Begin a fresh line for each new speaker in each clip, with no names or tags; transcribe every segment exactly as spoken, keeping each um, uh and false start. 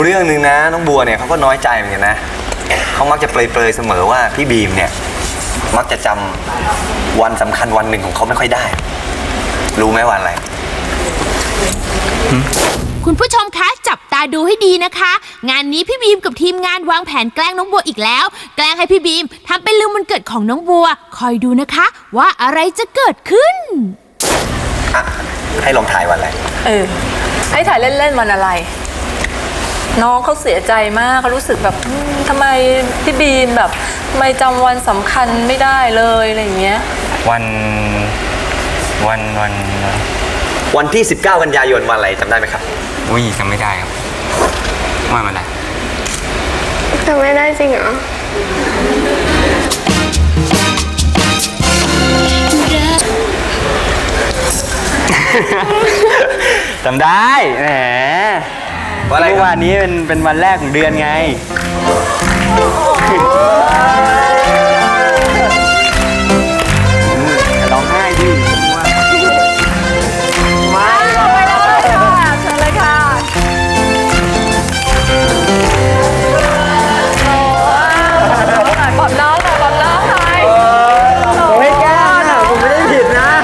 เรื่องหนึ่งนะน้องบัวเนี่ยเขาก็น้อยใจเหมือนกันนะเขามักจะเปรยๆเสมอว่าพี่บีมเนี่ยมักจะจำวันสำคัญวันหนึ่งของเขาไม่ค่อยได้ รู้ไหมวันอะไร
คุณผู้ชมคะจับตาดูให้ดีนะคะ งานนี้พี่บีมกับทีมงานวางแผนแกล้งน้องบัวอีกแล้วแกล้งให้พี่บีมทำเป็นลืมวันเกิดของน้องบัวคอยดูนะคะว่าอะไรจะเกิดขึ้น
อ่ะให้ลองถ่ายวันอะไร
เออให้ถ่ายเล่นๆวันอะไรน้องเขาเสียใจมากเขารู้สึกแบบทำไมพี่บีมแบบทำไมจำวันสำคัญไม่ได้เลยอะไรอย่างเงี้ย
วันวันวันวัน
วันที่สิบเก้ากันยายนวันอะไรจำได้ไหมครับ
อุ้ยจำไม่ได้ครับวันอะไร
จำไม่ได้จริงเหรอ
จำได้แหมเมื่อวานนี้เป็นเป็นวันแรกของเดือนไงร้องไห้ดิ
ไม่ไม่ได้ค่ะเชิญเลยค่ะปอบน้องหน่อยปอบน้องหน่อย
ผมไม่แกล้งนะผมไม่ได้ผิดนะ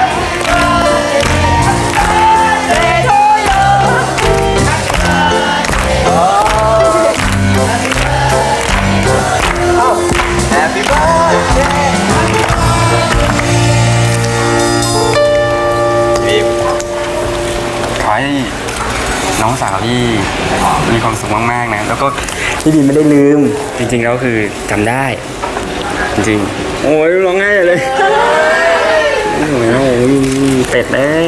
ขอให้น้องสาวที่มีความสุขมากๆนะแล้วก็พี่ดีไม่ได้ลืมจริงๆแล้วคือจำได้จริงๆโอ้ยร้องไห้เลยโอ้ยโอ้ยเป็ดเลย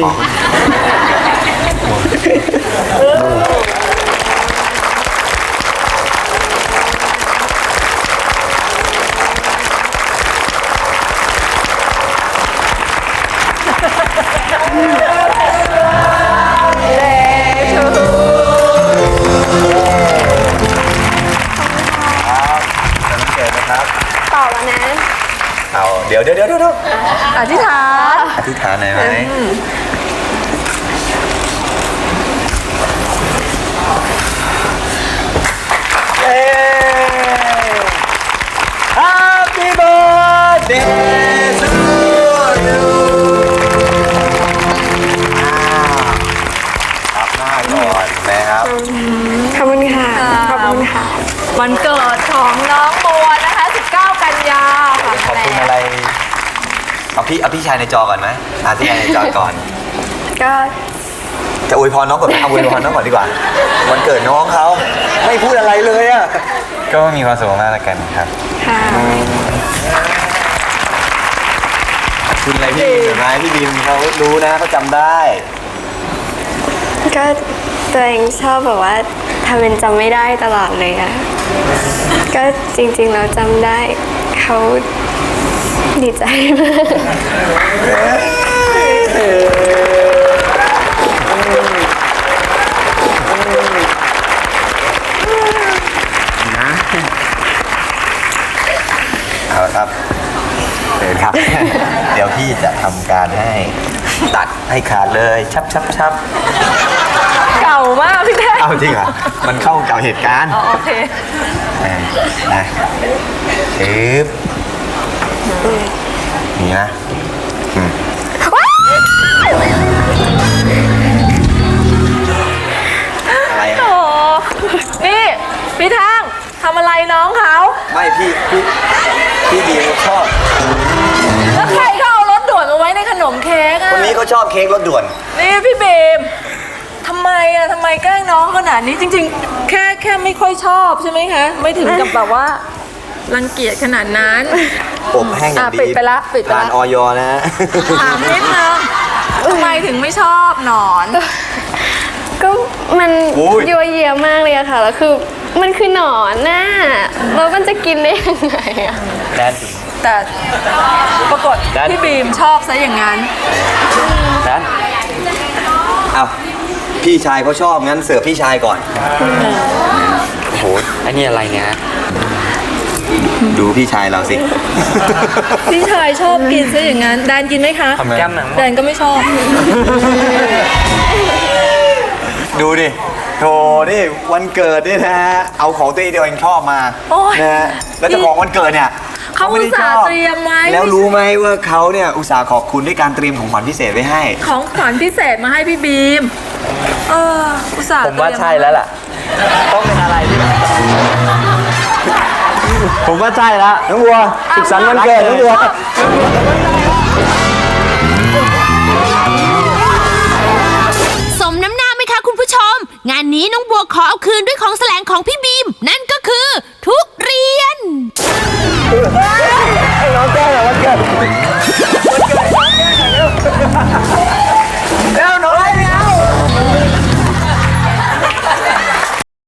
ต่อแล้วนะ
เอาเดี๋ยวเดี๋ยวเดี๋ยวเดี๋ยว
อธิษฐาน
อธิษฐานหน่อยไหมเย้ Happy birthday to you ครับหน้าก่อนแม่ครับ
ขอบคุณค่ะขอบคุณค่ะ
วันเกิดของน้องบัวนะคะสิบเก้ากันยาค่ะ
ขอบคุณอะไรเอาพี่เอาพี่ชายในจอก่อนไหมอาพี่ชายในจอก่อน
ก็
จะอวยพรน้องก่อนเอาอวยพรน้องก่อนดีกว่าวันเกิดน้องเขาไม่พูดอะไรเลยอ่ะ
ก็มีความสุขมากแล้วกันครับ
ค่ะ
คุณอะไรพี่บีมเห็นไหมพี่บีมเขารู้นะเขาจำได้
ก็ตัวเองชอบแบบว่าทำเป็นจำไม่ได้ตลอดเลยอะก็จริงๆเราจำได้เขาดีใจมาก
นะเอาครับเชิญครับ เดี๋ยวพี่จะทำการให้ตัดให้ขาดเลยชับชับชับ
เก่ามากพี่แท้
เอาจริงเหรอมันเข้ากับเหตุการณ์
อ๋อโอเค
นะปึ๊บนี่นะอะไรอ่ะ
โอ้นี่พี่แท่งทำอะไรน้องเขา
ไม่พี่พี่พี่ดีชอบ
แล้วใครเขาเอารถด่วนมาไว้ในขนมเค้กอ่ะ
คนนี้เขาชอบเค้กรถด่วน
นี่พี่เบมทำไมอ่ะทำไมแกล้งน้องขนาดนี้จริงๆแค่แค่ไม่ค่อยชอบใช่ไหมคะไม่ถึงกับแบบว่ารังเกียจขนาดนั้น
อบแห้งอย่างดี
ปิดไปละปิดไปละ
ผ่านออยนะ
ถามนิดนึงทำไมถึงไม่ชอบหนอน
ก็มันยัวเยียมากเลยอะค่ะแล้วคือมันคือหนอนน่ะแล้วมันจะกินได้ยังไงอะ
แดน
แต่ปรากฏพี่บีมชอบซะอย่างนั้น
แดนเอาพี่ชายเขาชอบงั้นเสิร์ฟพี่ชายก่อน
โอ้โหไอ้นี่อะไรเนี่ย
ดูพี่ชายเราสิ
พี่ชายชอบกินซะอย่างนั้นแดนกินไหมคะ
แก้มหนัง
แดนก็ไม่ชอบ
ดูดิโธ่นี่วันเกิดนี่นะฮะเอาของตัวเองที่ตัวเองชอบมา
โอ้ย
นะฮะแล้วเจ้าของวันเกิดเนี่ย
เขา
ไม่ได้
อุตส่าห์
ชอบ
เตรียมไว้
แล้วรู้ไหมว่าเขาเนี่ยอุตส่าห์ขอบคุณด้วยการเตรียมของขวัญพิเศษไว้ให้
ของขวัญพิเศษมาให้พี่บีม เออ อุตส่าห์
ผมว่า
เตรีย
ใช่แล้วล่ะ ต้องเป็นอะไรที่
ผมว่าใช่แล้วน้องบัวสุขสันต์วันเกิดน้องบัว
สมน้ำหน้าไหมคะคุณผู้ชม งานนี้น้องบัวขอเอาคืนด้วยของแสลงของพี่บีม นั่น